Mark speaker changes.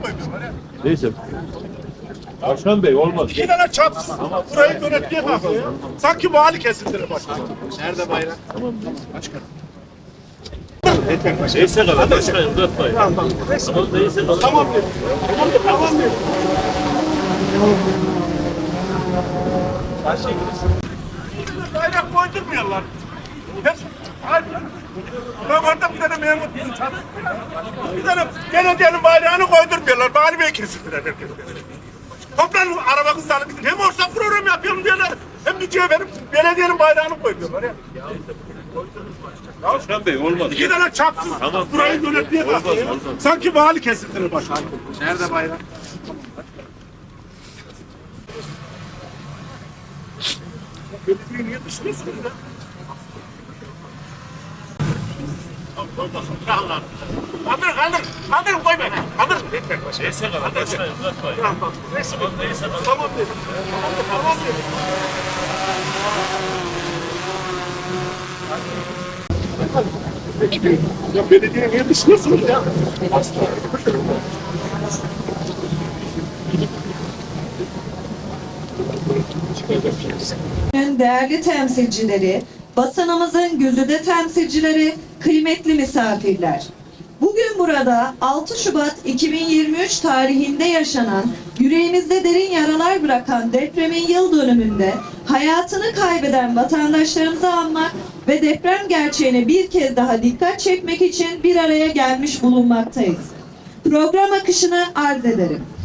Speaker 1: koymuyorlar ya.
Speaker 2: Neyse. Başkan Bey olmaz.
Speaker 1: İki tane çapsız. Burayı yönetmeye bakıyor. Sanki vali kesindir başkan. Nerede bayrak? Başkan.
Speaker 2: Neyse kadar başkan uzatmayın. Tamam neyse kadar.
Speaker 1: Tamam diyor. Tamam diyor. Bayrak koydurmuyorlar. Ben orada bir tane memur bir tane belediyenin bayrağını koydurmuyorlar. Vali Bey kesindiler herkes. Toplanın araba kızlarını gidin. Hem ortak program yapıyorum diyorlar. Hem bir benim belediyenin bayrağını koymuyorlar ya.
Speaker 2: Başkan Bey olmaz.
Speaker 1: İki tane çapsız.
Speaker 2: Tamam.
Speaker 1: Burayı yönetmeye bakıyor.
Speaker 2: Olmaz.
Speaker 1: Sanki vali kesintirir başkan.
Speaker 3: Nerede bayrak?
Speaker 1: Belediyeyi niye dışlıyorsunuz ya? Kaldır koy beni. Kaldır.
Speaker 2: Neyse kadar başkan uzatmayın.
Speaker 1: Tamam
Speaker 2: Neyse kadar.
Speaker 1: Tamam dedim. Tamam dedim. Ya belediye niye dışlıyorsunuz ya?
Speaker 4: Değerli temsilcileri, basınımızın güzide temsilcileri, kıymetli misafirler. Bugün burada 6 Şubat 2023 tarihinde yaşanan, yüreğimizde derin yaralar bırakan depremin yıl dönümünde hayatını kaybeden vatandaşlarımızı anmak ve deprem gerçeğine bir kez daha dikkat çekmek için bir araya gelmiş bulunmaktayız. Program akışını arz ederim.